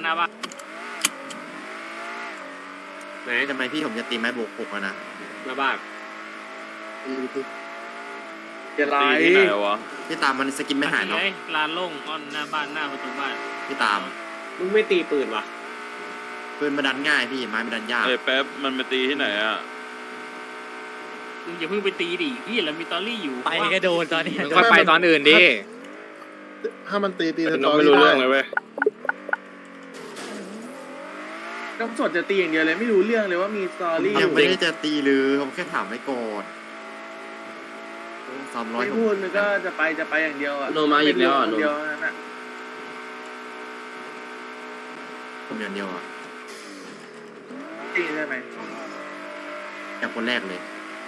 หน้าบ้านไหนทำไมพี่ผมจะตีไม้โบก6แล้วนะหน้าบ้านจะไล่ตีที่ไหนวะพี่ตามมันสกินไม่หายเนาะเลยลานโล่งอ้อนหน้าบ้านหน้าประตูบ้านพี่ตามมึงไม่ตีปืนวะปืนมาดันง่ายพี่ไม้มาดันยากเอ้ยแป๊บมันไปตีที่ไหนอ่ะมึงอย่าเพิ่งไปตีดิพี่เรามีตอรี่อยู่ไปก็โดนตอนนี้มึงค่อยไปตอนอื่นดิถ้ามันตีน้องไม่รู้เรื่องเลยเว้ยน้องสดจะตีอย่างเดียวเลยไม่รู้เรื่องเลยว่ามีสตอรี่ยังไม่ได้จะตีเลยผมแค่ถามไว้ก่อน300 ไม่พูดมันก็จะไปอย่างเดียวอ่ะโนมาอีกแล้วอ่ะโนเดียวนั่นน่ะผมอย่างเดียวอ่ะตีใช่ไหมจากคนแรกเลย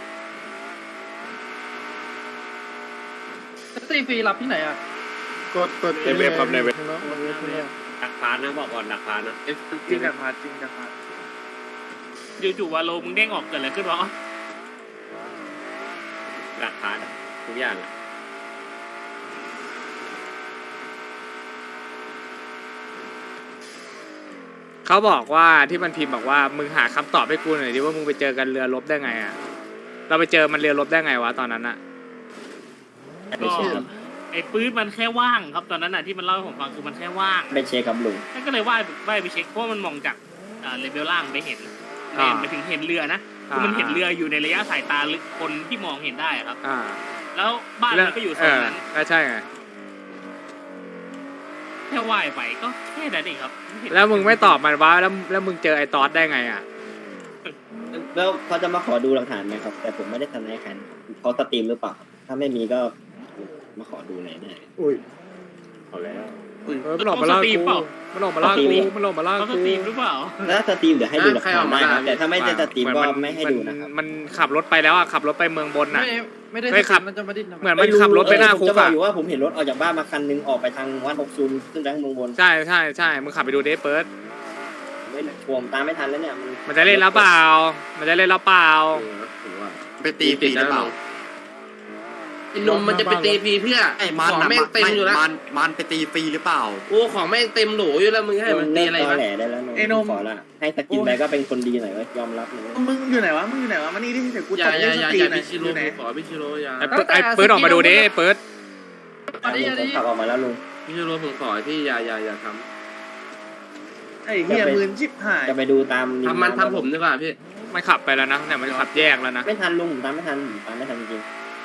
ตีฟรีรับที่ไหนอ่ะกดในเว็บครับในเว็บดักพานนะบอกก่อนดักพานนะจริงจากพาจริงจากพาจู่ๆวาโลมึงเด้งออกเกิดอะไรขึ้นวะดักพานทุกอย่างอะเขาบอกว่าที่มันพิมพ์บอกว่ามึงหาคำตอบให้กูหน่อยดิว่ามึงไปเจอกันเรือรบได้ไงอ่ะเราไปเจอมันเรือรบได้ไงวะตอนนั้นอ่ะก็ไอ้ปืนมันแค่ว่างครับตอนนั้นน่ะที่มันเล่าให้ผมฟังคือมันแค่ว่างไปเช็คครับลุงนั่นก็เลยว่ายไปเช็คเพราะมันมองจากเลเวลล่างไปเห็นไปถึงเห็นเรือนะคือมันเห็นเรืออยู่ในระยะสายตาลึกคนที่มองเห็นได้ครับอ่าแล้วบ้านมันก็อยู่โซนนั้นก็ใช่ไงแค่ว่ายไปก็แค่นั้นเองครับแล้วมึงไม่ตอบมันว่าแล้วมึงเจอไอ้ตอสได้ไงอ่ะแล้วเขาจะมาขอดูหลักฐานไหมครับ แต่ผมไม่ได้ทำให้ใครเขาสตรีมหรือเปล่าครับถ้าไม่มีก็มาขอดูหน่อยได้เอาแล้วมันหลอกมาล่ากูมันหลอกมาล่ากูมันหลอกมาล่าเขาสกูตรีมหรือเปล่าแล้วสตรีมเดี๋ยวให้ดูหลักฐานได้ครับแต่ถ้าไม่ได้สตรีมก็ไม่ให้ดูนะครับมันขับรถไปแล้วอ่ะขับรถไปเมืองบนน่ะไม่ได้ไม่ขับมันจะมาดิ้นเหมือนมันขับรถไปหน้าคุกจะบอกอ่ะอยู่ว่าผมเห็นรถออกจากบ้านมาคันนึงออกไปทางวัด60ขึ้นไปทางเมืองบนใช่ใช่ใช่มึงขับไปดูเดฟเปิร์ดไม่ผมตามไม่ทันแล้วเนี่ยมันจะเล่นแล้วเปล่า มันจะเล่นแล้วเปล่าถือว่าไปตีฟรีหรือเปล่าไอ้นมมันจะไปตีฟรีเพื่อไอ้มันของน่ะแม่งเต็มอยู่แล้วมันไปตีฟรีหรือเปล่าโอ้ของแม่งเต็มโหลอยู่แล้วมึงให้มันตีอะไรตอวะแหลได้แล้วขอละให้สกินไปก็เป็นคนดีหน่อยเว้ยยอมรับเลยมึงอยู่ไหนวะมานี่ดิเดี๋ยวกูอย่าตบอย่าสอย่าตรีอย่ามหน่พิอยชิโร่อยู่ไหนขอพิชิโร่อย่าไอ้เปิร์ดออกมาดูดิเปิร์ดผมขับออกมาแล้วลุงพิชิโร่ผมขอพี่อย่าทไอ้เหี้ยมืนชิบหายจะไปดูตามำทำมันทำผมดีกว่าพี่มันขับไปแล้วนะเนี่ยมันขับแยกแล้วนะไม่ทันลุงตามไม่ทันจริง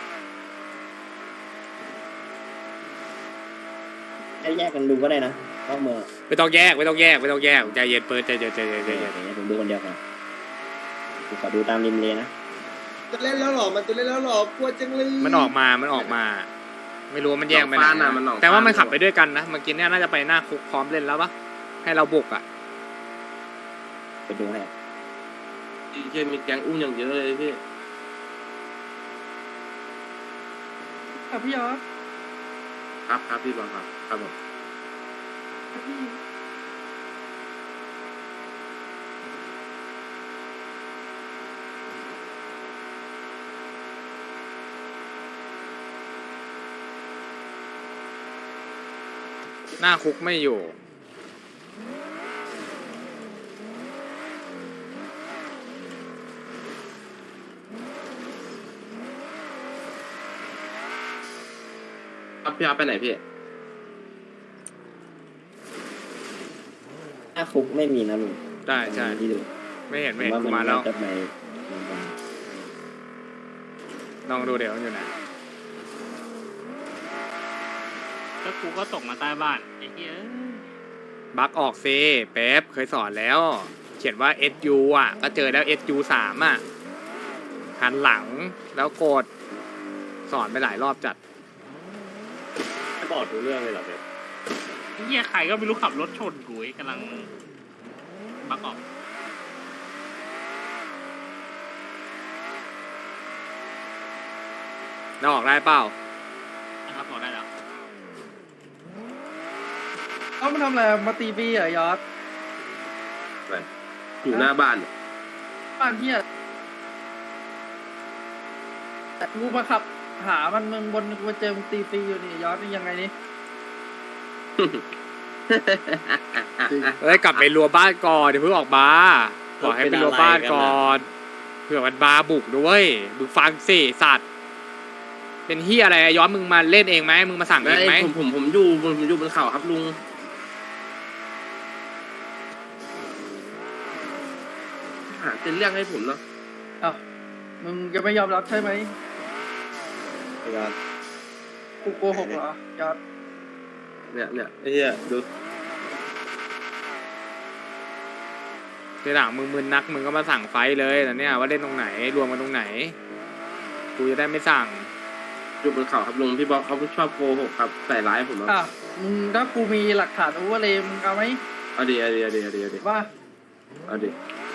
ให้แยกกันดูก็ได้นะนอกเมืองไม่ต้องแยกใจเย็นเปิร์ดใจเย็นผมดูคนเดียวกันผมขอดูตามริมเลนะจะเล่นแล้วหรอมันจะเล่นแล้วหรอกลัวจังเลยมันออกมาไม่รู้ว่ามันแยกไปไหฟ้าน น่ะมันออกแต่ว่ามันขับไปด้วยกันนะเมื่อกี้เนี่ยน่าจะไปหน้าคุกพร้อมเล่นแล้วปะให้เราบุกอ่ะไปดูให้เช่มีแก๊งอุ้มอย่างเยอะเลยพี่พี่ยอดครับพี่บอลครับผมหน้าคุกไม่อยู่พี่อาไปไหนพี่ถ้าคุกไม่มีนะลุงได้ใช่ที่ดูไม่เห็นว่ากูมาแล้วจะไปลองดูเดี๋ยวมันอยู่ไหนแล้วกูก็ตกมาใต้บ้านไอ้เหี้ยบักออกซิเป๊ปเคยสอนแล้ว เขียนว่า SU อ่ะก็เจอแล้ว SU 3อ่ะหันหลังแล้วกดสอนไปหลายรอบจัดไม่บอกดูเรื่องเลยเหรอเป๊ปไอ้เหี้ยใครก็ไม่รู้ขับรถชนกูไอ้กำลังบักออกแล้วออกได้เปล่านะครับบอกได้แล้วเขามาทำอะไรมาตีบีเหรอยอดอยู่หน้าบ้านบ้านพี่แต่กูมาขับหามันเมืองบนกูมาเจอมึงตีบีอยู่นี่ยอดนี่ยังไงนี่เฮ้ยกลับไปรัวบ้านก่อนเดี๋ยวเพิ่งออกมาบอกให้ไปรัวบ้านก่อนเผื่อมันมาบุกด้วยมึงฟังสิสัตว์เป็นเฮียอะไรย้อนมึงมาเล่นเองไหมมึงมาสั่งเองไหมผมอยู่บนเขาครับลุงหาเป็นเรื่องให้ผมเนาะอ้าวมึงจะไม่ยอมรับใช่ไหมครับกูโกหกเหรอยอดเนี่ยไอ้เหี้ยดูทีหลังมึงมึนนักมึงก็มาสั่งไฟเลยแต่เนี่ยว่าเล่นตรงไหนรวมกันตรงไหนกูจะได้ไม่สั่งอยู่บนเขาครับลุงพี่บอกเขาชอบโกหกครับใส่ร้ายผมครับอ่ะมึงถ้ากูมีหลักฐานโอเวอร์เลยมึงเอาไหมเอาดิว่าเอาดิ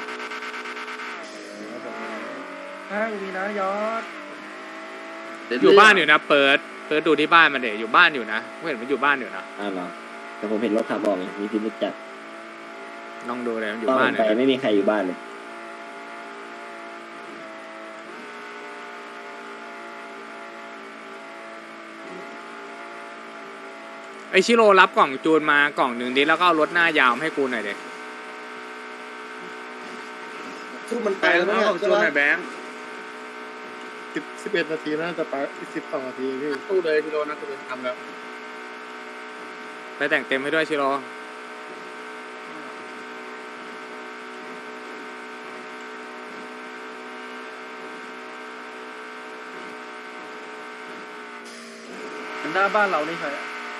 ถ้ากูมีนะยอดอยู่บ้านอยู่นะเปิดดูที่บ้านมันเดี๋ยวอยู่บ้านอยู่นะกูเห็นมันอยู่บ้านอยู่นะอ้าวเหรอแต่ผมเห็นรถขับออกไงมีพิมพ์จัดลองดูเลยมันอยู่ตอนผบ้านมอยู่ไปนะไม่มีใครอยู่บ้านเลยไอชิโร่รับกล่องจูนมากล่องหนึ่งดิแล้วก็เอารถหน้ายาวมาให้กูหน่อยเด็ทุกมันไปไปแล้แล้ว วของจูนหน่อยแบงค์ 11 นาทีน่าจะไป12 นาทีพี่ตู้เลยพี่โรนะกูจะทำแล้วไปแต่งเต็มให้ด้วยชิโร่หน้าบ้านเรานี่ใครอะ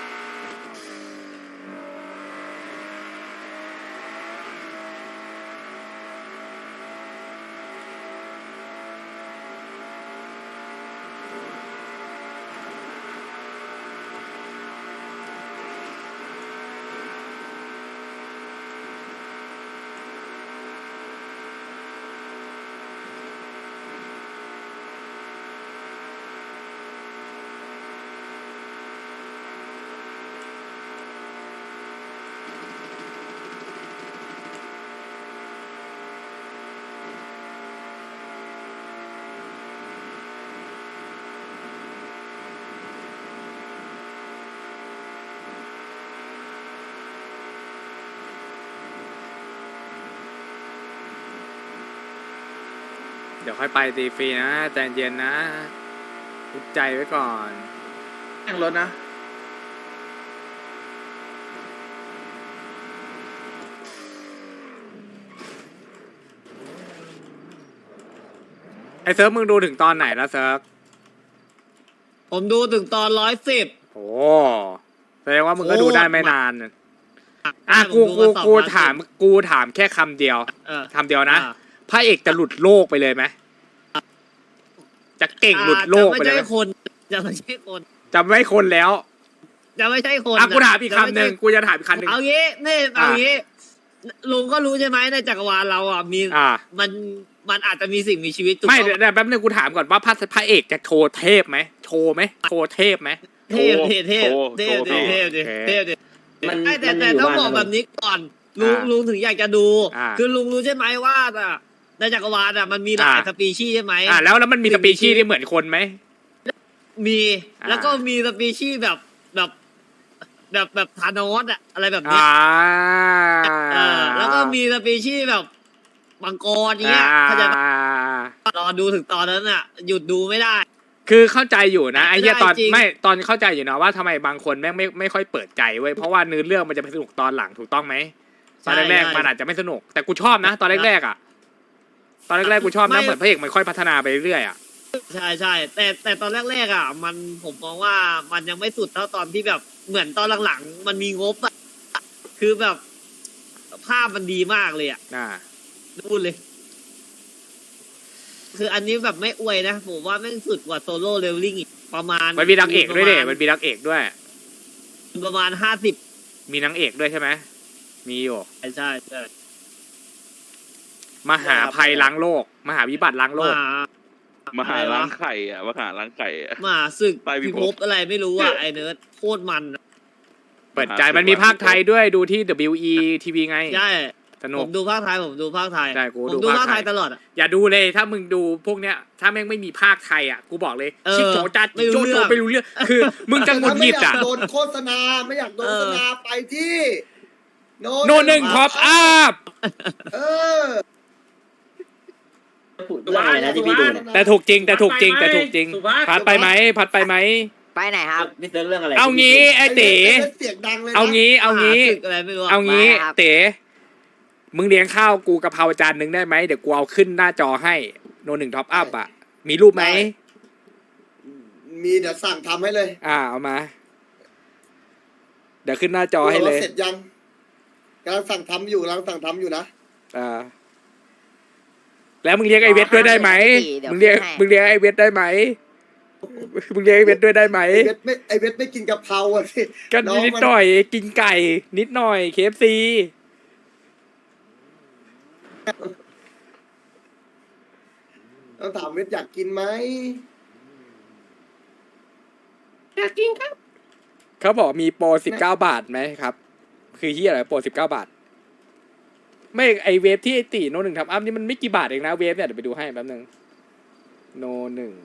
เดี๋ยวค่อยไปตีฟรีนะใจเย็นนะอุดใจไว้ก่อนแข่งรถนะไอเซิร์ฟมึงดูถึงตอนไหนแล้วเซิร์ฟผมดูถึงตอน110 โอ้แสดงว่ามึงก็ดูได้ไม่นานอ่ะผมดูมากู 2 ถามแค่คำเดียวเออคำเดียวนะพระเอกจะหลุดโลกไปเลยไหมจะเก่งหลุดโลกไปเลยไหมจะไม่ใช่คนจะไม่คนแล้วจะไม่ใช่คนอ่ะกูถามอีกคำหนึ่งกูจะถามอีกคำหนึ่งเอางี้นี่เอางี้ลุงก็รู้ใช่ไหมในจักรวาลเราอ่ะมีอ่ามันอาจจะมีสิ่งมีชีวิตถูกไม่ต้องเดี๋ยวแป๊บนึงกูถามก่อนว่าพระเอกจะโชว์เทพไหมโชว์ไหมโชว์เทพไหมเทพมันแต่มันอยู่ต้องบ้านบอกแบบนี้ก่อนลุงถึงอยากจะดู คือลุงรู้ใช่ไหมว่าในจักรวาลอ่ะมันมีหลายสปีชีส์ใช่ไหมแล้วมันมีสปีชีส์ที่เหมือนคนไหมมีแล้วก็มีสปีชีส์แบบธานอสอะอะไรแบบนี้แล้วก็มีสปีชีส์แบบมังกรเนี้ยเขาจะรอดูถึงตอนนั้นอ่ะ หยุดดูไม่ได้คือเข้าใจอยู่นะไอ้เหี้ยตอนจริงไม่ตอนเข้าใจอยู่นะว่าทำไมบางคนแม่งไม่ค่อยเปิดใจเว้ยเพราะว่าเนื้อเรื่องมันจะไปสนุกตอนหลังถูกต้องไหมตอนแรกๆมันอาจจะไม่สนุกแต่กูชอบนะตอนแรกๆอ่ะตอนแรกๆกูชอบนะเหมือนพระเอกมันค่อยพัฒนาไปเรื่อยๆอ่ะใช่แต่ตอนแรกๆอ่ะมันผมมองว่ามันยังไม่สุดเท่าตอนที่แบบเหมือนตอนหลังๆมันมีงบอ่ะคือแบบภาพมันดีมากเลยอ่ะพูดเลย คืออันนี้แบบไม่อวยนะผมว่าแม่งสุดกว่าโซโล่เลเวลลิ่งอีกประมาณมันมีนางเอกด้วยเด็มันมีนางเอกด้วยประมาณ50 มีนางเอกด้วยใช่ไหมมีอยู่ใช่มหาภัยล้างโลกมหาวิบัติล้างโลกมหาล้างไข่อ่ะมหาล้างไข่อ่ะมาศึกไปพิพิภพภพอะไรไม่รู้อ่ะไอเนิร์ดโคตรมันเปิดใจมันมีภาคไทยด้วยดูที่ WE TV ไงใช่สนุผกมดูภาคไทยใช่กูผมดูดูภาภาคคไทไทยยตลอดอ่ะอย่าดูเลยถ้ามึงดูพวกเนี้ยถ้าแม่งไม่มีภาคไทยอ่ะกูบอกเลย ชิโจจัดไม่รู้โจเรื่โจองไม่รู้เรื่องคือมึงจะหงุดหงิดอ่ะโดนโฆษณาไม่อยากโดนโฆษณาไปที่โนหนึ่งท็อปอัพเออพูดเรื่องอะไรนะที่พี่ดูเนี่ยแต่ถูกจริงแต่ถูกจริงแต่ถูกจริงสุภาพพัดไปไหมพัดไปไหมไปไหนครับพี่เซิร์ฟเรื่องอะไรเอางี้ไอ้เต๋เสียงดังเลยนะเอางี้หศึกอะไรไม่รู้ะเอางี้ไม่ครับเต๋มึงเลี้ยงข้าวกูกะเพราจานหนึ่งได้ไหมเดี๋ยวกูเอาขึ้นหน้าจอให้โนหนึ่งท็อปอัพอ่ะมีรูปไหมมีเดี๋ยวสั่งทำให้เลยเอามา เดี๋ยวขึ้นหน้าจอให้เลยเสร็จยังกำลังสั่งทำอยู่นะแล้วมึงเลี้ยงไอเวทด้วยได้ไหมเดี๋ยวมึงเลี้ยงให้มึงเลี้ยงไอเวทได้ไหมมึงเลี้ยงไอเวทด้วยได้ไหมไอเวทไม่กินกะเพราอ่ะสิก็น้องนิดมันหน่อยกินไก่ นิดหน่อย KFC ต้องถามเวทอยากกินไหมเขาบอกมีโปร19 บาทไหมครับ คือที่อะไรโปร19 บาท ไม่ไอเวฟที่ไอตีโนหนึ่งทำอัพนี่มันไม่กี่บาทเองนะเวฟเนี่ยเดี๋ยวไปดูให้แป๊บนึงโนหนึ่ง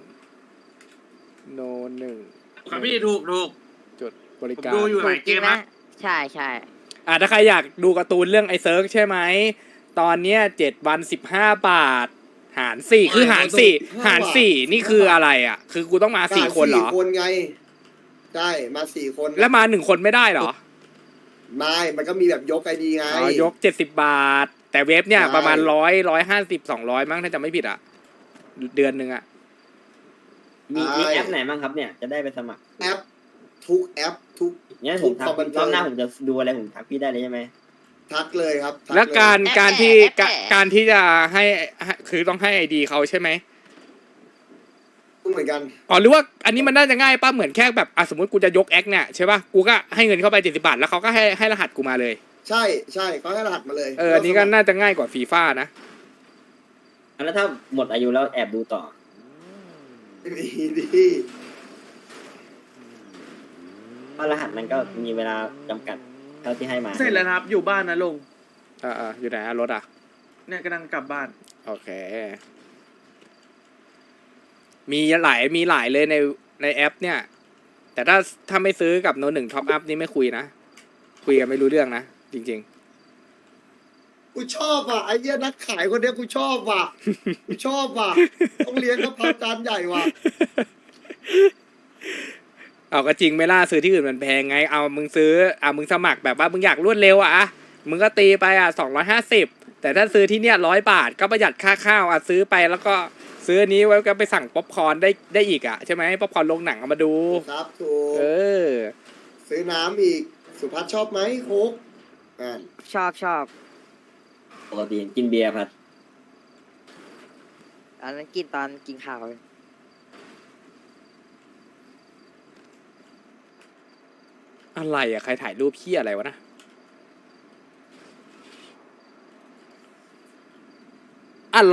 ครับพี่ถูกจุดบริผมการดูอยู่หลายเกมนะใช่ใช่ถ้าใครอยากดูการ์ตูนเรื่องไอเซิร์กใช่ไหม ตอนเนี้ย7 วัน 15 บาท หาร 4 คือหาร 4 หาร 4 นี่คืออะไรอ่ะ คือกูต้องมา 4 คนเหรอ 4 คนไงใช่มา4 คนแล้วมา1 คนไม่ได้เหรอไม่มันก็มีแบบยกไอดีไงยก70 บาท แต่เวฟเนี่ยใช่ประมาณ150 200มั้งถ้าจะไม่ผิดอ่ะ เดือนหนึ่งอ่ะมีแอปไหนบ้างครับเนี่ยจะได้ไปสมัครแอปทุกแอปทุกงั้นผมทักรอบหน้าผมจะดูอะไรผมทักพี่ได้เลยใช่ไหมทักเลยครับทัแล้วเยการที่จะให้คือต้องให้ไอดีเขาใช่ไหมเหมือนกันหรือว่าอันนี้มันน่าจะง่ายป่ะเหมือนแค่แบบสมมติกูจะยกแอคเนี่ยใช่ป่ะกูก็ให้เงินเข้าไป70 บาทแล้วเขาก็ให้รหัสกูมาเลยใช่เขาให้รหัสมาเลยอันนี้ก็น่าจะง่ายกว่าฟีฟ่านะแล้วถ้าหมดอายุแล้วแอบดูต่อมีดีเพราะรหัสมันก็มีเวลาจำกัดเท่าที่ให้มาเสร็จแล้วนะครับ อยู่บ้านนะลุงอยู่ไหนรถเนี่ยกำลังกลับบ้านโอเค มีหลายเลยในแอป เนี่ย แต่ถ้าไม่ซื้อกับโนหนึ่งท็อปอัพนี่ไม่คุยนะ คุยกันไม่รู้เรื่องนะ จริงกูชอบว่ะไอ้เหี้ยนักขายคนเนี้ยกูชอบว่ะกูชอบว่ะต้องเลี้ยงกะเพราจานใหญ่ว่ะๆ เอาก็จริงไม่ล่าซื้อที่อื่นมันแพงไง เอามึงซื้อมึงสมัครแบบว่ามึงอยากรวดเร็วมึงก็ตีไป250แต่ถ้าซื้อที่เนี่ย100 บาทก็ประหยัดค่าข้าวซื้อไปแล้วก็ซื้ออันนี้ไว้ก็ไปสั่งป๊อปคอร์นได้อีกใช่ไหมป๊อปคอร์นลงหนังเอามาดูครับถูกอซื้อน้ำอีกสุภัทรชอบไหมโค้กชอบปกติกินเบียร์พัดอันนั้นกินตอนกินข้าวอะไรใครถ่ายรูปขี้อะไรวะนะอะไร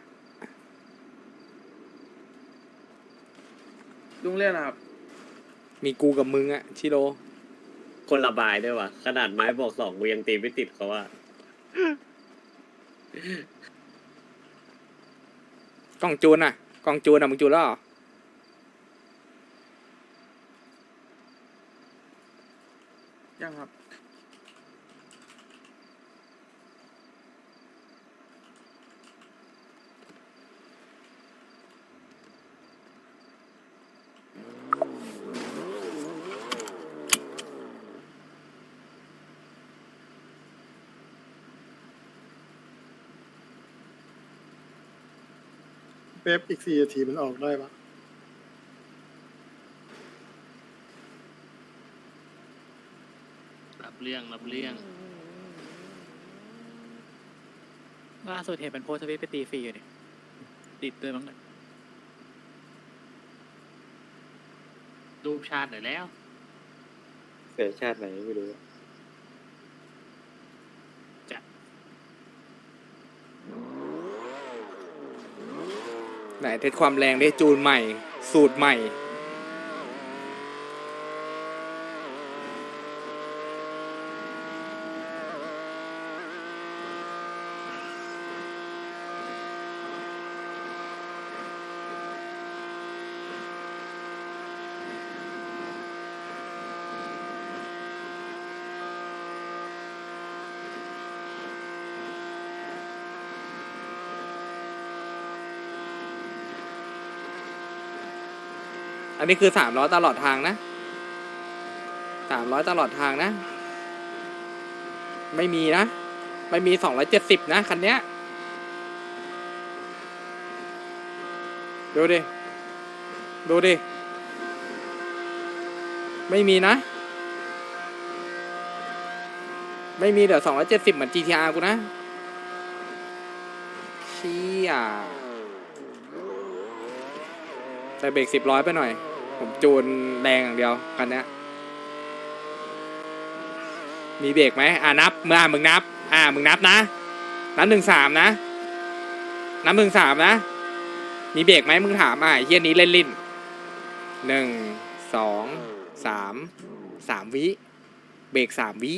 ลุงเรียกนะครับมีกูกับมึงชิโร่คนระบายด้วยว่ะขนาดไม้บอก2กูยังตีไม่ติดเขาว่ากล่องจูนกล่องจูนมึงจูนแล้วเหรอยังครับเป๊ปอีก4 นาทีมันออกได้ปะรับเรื่องล่าสุดเห็นเป็นโพสต์ทวิตไปตีฟรีอยู่เนี่ยติดด้วยมั้งเนี่ยรูปชาติหน่อยแล้วเกิดชาติไหนไม่รู้ไหนเทสความแรงได้จูนใหม่ สูตรใหม่อันนี้คือ300ตลอดทางนะ300ตลอดทางนะไม่มีนะไม่มี270นะคันเนี้ยดูดิไม่มีนะไม่มีเดี๋ยว270เหมือน GTR กูนะเชี่ยใส่เบรก10 ไปหน่อยผมจูนแรงอย่างเดียวคันเนี้ยมีเบรกไหมนับมึงนับมึงนับนะนับ1-3นะนับ1-3นะมีเบรกไหมมึงถามไอ้เหี้ยนี้เล่นลิ้น1 2 3 วิเบรก3 วิ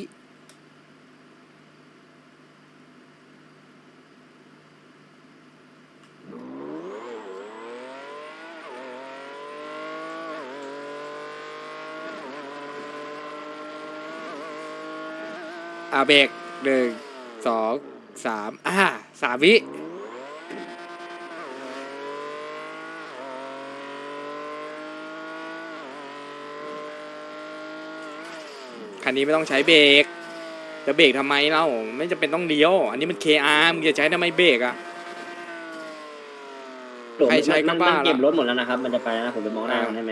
เบรก1 2 3 3 วิคันนี้ไม่ต้องใช้เบรกจะเบรกทำไมเล่าไม่จำเป็นต้องเลี้ยวอันนี้มัน KR มึงจะใช้ทำไมเบรกอ่ะ ใครใช้ก็บ้ามันเก็บรถหมดแล้วนะครับมันจะไปแล้วนะผมไปมองหน้ามันได้ไหม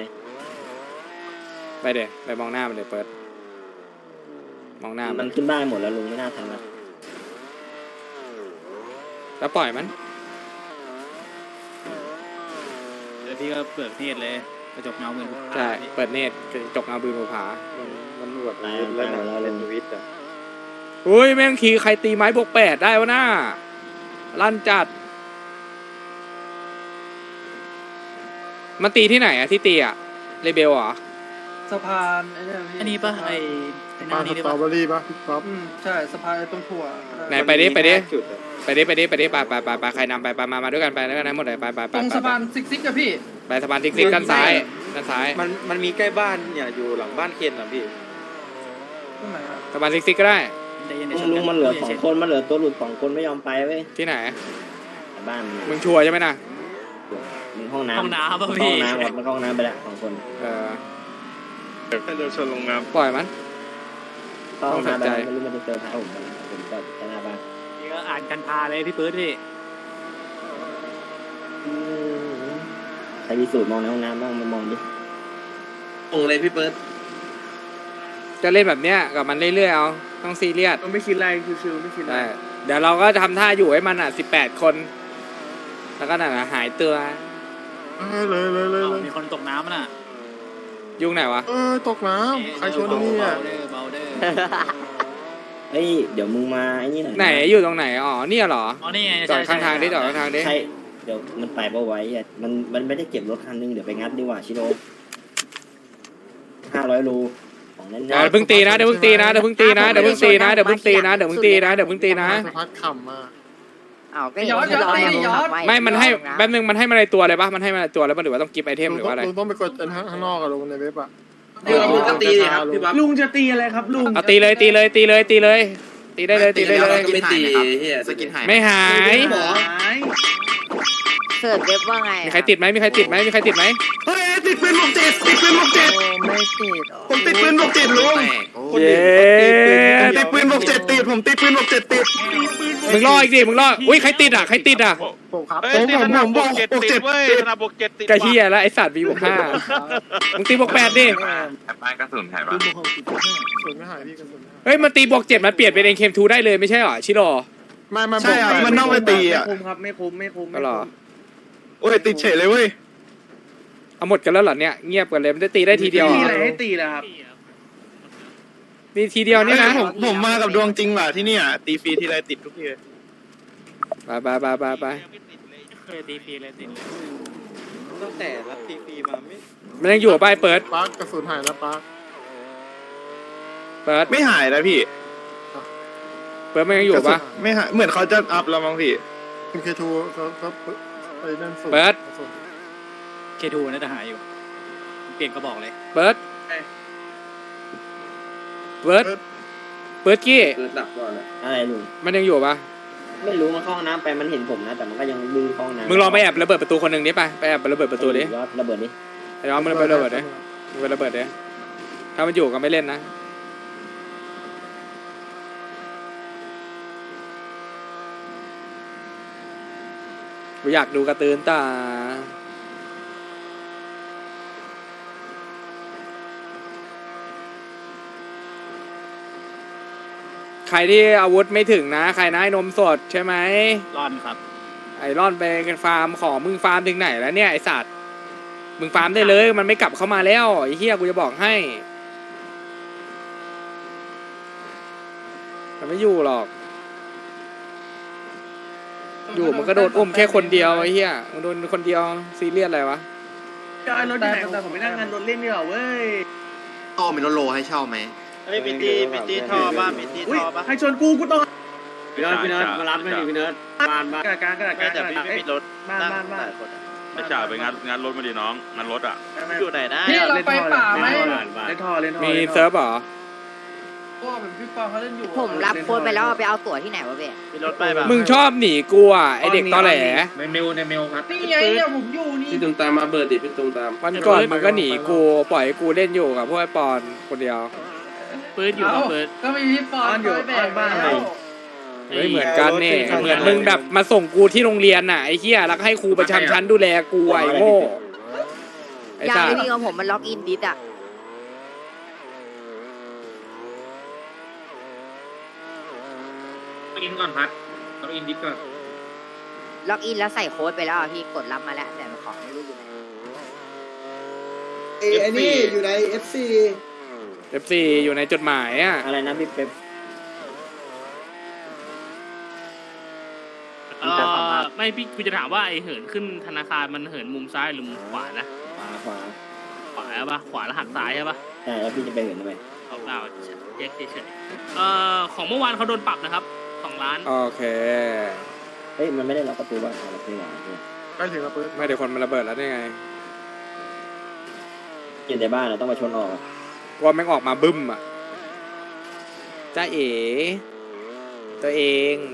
ไปมองหน้ามันเลยเปิดมองหน้ามัมันขึ้นบ้านหมดแล้วลุงไม่น่าทันละแล้วปล่อยมันเดี๋ยวพี่ก็เปิดเทศเลยกระจกเงาเงินใช่เปิดเนตรจกเงาบืนภูผามันหวดตายหมดแล้วลุงอุ้ยแม่งขี่ใครตีไม้บวก8ได้วะน่าลั่นจัดมันตีที่ไหนอะที่ตีอะเรเบลเหรอสะพานไอ้เนี่ยอันนี้ปะไอ้หน้านี้ได้ปะใช่สะพานตรงถั่วไหนไปดิไปใครนำไปมาด้วยกันไปด้วยกันนะหมดเลยไปตรงสะพานซิกอะพี่ไปสะพานติ๊กด้านซ้ายมันมีใกล้บ้านเนี่ยอยู่หลังบ้านเคนอ่ะพี่ตรงไหนอะสะพานติ๊กก็ได้ลุงมันเหลือ2 คนมันเหลือตัวหลุด2 คนไม่ยอมไปเว้ยที่ไหนบ้านมึงชัวร์ใช่ไหมนะมึงห้องน้ำห้องน้ำป่ะห้พี่องน้ำวัดมันห้องน้ำไปแล้ว2 คนเดินชนลงน้ปล่อยมันเข้าห้องน้ำไปแล้วไม่รู้มันจะเจอพระผมก็แค่หน้าบ้านนี่ก็อ่านกันพาเลยพี่ปื๊ดพี่ใครมีสูตรมองในห้องน้ำบ้างมามองดิำตรงเลยพี่เปิร์ดจะเล่นแบบเนี้ยกับมันเรื่อยๆเอาต้องซีเรียสไม่คิดอะไรชิวๆไม่คิดอะไรได้เดี๋ยวเราก็ทำท่าอยู่ให้มัน18 คนแล้วก็หายตัวมีคนตกน้ำน่ะยุ่งไหนวะตกน้ำใครชวนนี่อ่ะเบาเด้อเฮ้ยเดี๋ยวมึงมาไอ้นี่หน่อยไหนอยู่ตรงไหนอ๋อเนี่ยเหรออ๋อนี่ไงจอดข้างทางดิจอดข้างทางดิใช่เดี๋ยวมันไปบ่ไว้อ่ะมันไม่ได้เก็บรถคันนึงเดี๋ยวไปงัดดีกว่าชิโร่500 โลของแน่นเดี๋ยวเพิ่งตีนะเดี๋ยวเพิ่งตีนะพัดขำมาอ้าวก็ย้อนไม่มันให้แป๊บนึงมันให้มาในตัวเลยปะมันให้มาในตัวแล้วมันหรือว่าต้องกิฟต์ไอเทมหรือว่าอะไรลุงต้องไปกดข้างนอกอะลุงในเว็บอะลุงจะตีเลยครับพี่บ๊อบลุงจะตีอะไรครับลุงเอาตีเลยตีได้เลยก็ไม่ตีเฮียสกินหายไม่หายเสิร์ชเว็บว่าไงมีใครติดไหมเฮ้ยติดปืนบวก7 ไม่ติดผมติดปืนบวก7ลุงเย้ติดปืนบวก7ติดผมติดปืนบวก7ติดมึงรออีกดิมึงรออุ้ยใครติดอ่ะผมครับผมบวก7เว้ยธนาบวก7ติดกะเฮียแล้วไอสัตว์มีบวก5มึงตีบวก8ดิบ้านกระสุนหายปะกระสุนไม่หายพี่กระสุนไม่หายเฮ้ยมันตีบวก7มันเปลี่ยนเป็น NKM2 ได้เลยไม่ใช่หรอชิโร่ไม่ใช่ครับมันต้องไปตีอ่ะไม่คุ้มก็หรอโอ้ยติดเฉยเลยเว้ยเอาหมดกันแล้วเหรอเนี่ยเงียบกันเลยมันจะตีได้ทีเดียวมีอะไรให้ตีแล้วครับมีทีเดียวนี่นะผมมากับดวงจริงว่ะที่เนี่ยตีฟรีทีไรติดทุกทีไปเคยตีฟรีเลยติดเลยตั้งแต่รับตีฟรีมาไม่มันยังอยู่ป่ะเปิดปาร์คกระสุนหายแล้วปาร์คเปิดไม่หายนะพี่มันยังอยู่ป่ะไม่หายเหมือนเขาจะอัพแล้วมั้งพี่คุณเคทูเขาไปนั่นสูตรเปิดเคทูน่าจะหายอยู่เปลี่ยนกระบอกเลยเปิดกี้เกิดดับก่อนเลยอะไรลุงมันยังอยู่ป่ะไม่รู้มันเข้าห้องน้ำไปมันเห็นผมนะแต่มันก็ยังดื้อเข้าห้องน้ำมึงลองไปแอบระเบิดประตูคนหนึ่งดิไปแอบระเบิดประตูดิระเบิดดิอ้ย้อนมันไประเบิดเลยมันไประเบิดเลยถ้ามันอยู่ก็ไม่เล่นนะกูอยากดูการ์ตูนตาใครที่อาวุธไม่ถึงนะใครนะไอ้นมสดใช่ไหมร่อนครับไอ้ร่อนไปกันฟาร์มของมึงฟาร์มถึงไหนแล้วเนี่ยไอ้สัตว์มึงฟาร์มได้เลยมันไม่กลับเข้ามาแล้วไอ้เหี้ยกูจะบอกให้มันไม่อยู่หรอกอยู่มันก็โดนอุ้มแค่คนเดียวไอ้เหี้ยมันโดนคนเดียวซีเรียสอะไรวะจะเอารถที่ไหนผมไปนั่งงานรถเล่นดีกว่าเว้ยโตมีรถโลให้เช่าไหมเฮ้ยมีตีท่อบ้างมีตีอุ้ยท่อบ้างใครชนกูต้องพี่เนิร์ดมารับไม่ดีพี่เนิร์ดบ้านบ้านกระดาษกลางกระดาษกลางแต่พี่ไม่มีรถบ้านบ้านบ้านไม่จ่าไปงานรถมาดิน้องงานรถอ่ะอยู่ไหนนะพี่เราไปป่าไหมบ้านบ้านเล่นท่อเล่นท่อมีเซิร์ฟเหรอผมรับโค้ดไปแล้วเอาไปเอาตั๋วที่ไหนวะเบ้มีรถไปแบบมึงชอบหนีกูอ่ะไอเด็กตอแหลในเมลครับนี่ไงเนี่ยผมอยู่นี่พี่ตุมตามมาเบิร์ดดิพี่ตุมตามวันก่อนมึงก็หนีกูปล่อยให้กูเล่นอยู่กับพวกไอปอนคนเดียวปืนอยู่ครับปืนก็มีพี่ปอนอยู่บ้านเฮ้ยเหมือนกันเนี่ยเหมือนมึงแบบมาส่งกูที่โรงเรียนน่ะไอ้เหี้ยแล้วก็ให้ครูประจำชั้นดูแลกูไอ้โง่ไอ้ยาสังสไม่มีของผมมันล็อกอินดิสอะอินก่อนพัดต้องอินดิสก่อนล็อกอินแล้วใส่โค้ดไปแล้วอะพี่กดรับมาแล้วแต่ของไม่รู้อยู่ไหนไอ้นี่อยู่ใน FC FC อยู่ในจดหมายอ่ะอะไรนะพี่เป๊ปไม่พี่กูจะถามว่าไอเหินขึ้นธนาคารมันเหินมุมซ้ายหรือมุมขวานะขวาขวาใช่ปะขวาแล้วหักซ้ายใช่ปะใช่แล้วพี่จะไปเห็นทำไมเอาเปล่าเช็คเฉยของเมื่อวานเขาโดนปรับนะครับ2 ล้านโอเคเฮ้ยมันไม่ได้ล็อกประตูบ้านเราพี่หว่าไปถึงแล้วปืนไม่เดี๋ยวคนมันระเบิดแล้วได้ไงอยู่ในบ้านเราต้องมาชนออกว่าแม่งออกมาบึ้มอ่ะจ้าเอ๋ตัวเอง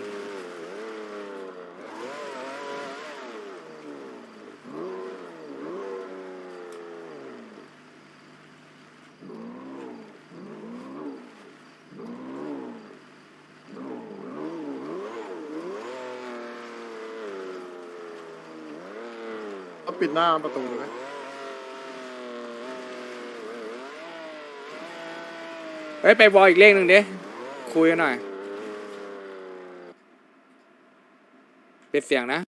เอาปิดหน้าประตูเลยเฮ้ยไปวอลอีกเลขหนึ่งดิคุยกันหน่อยปิดเสียงนะ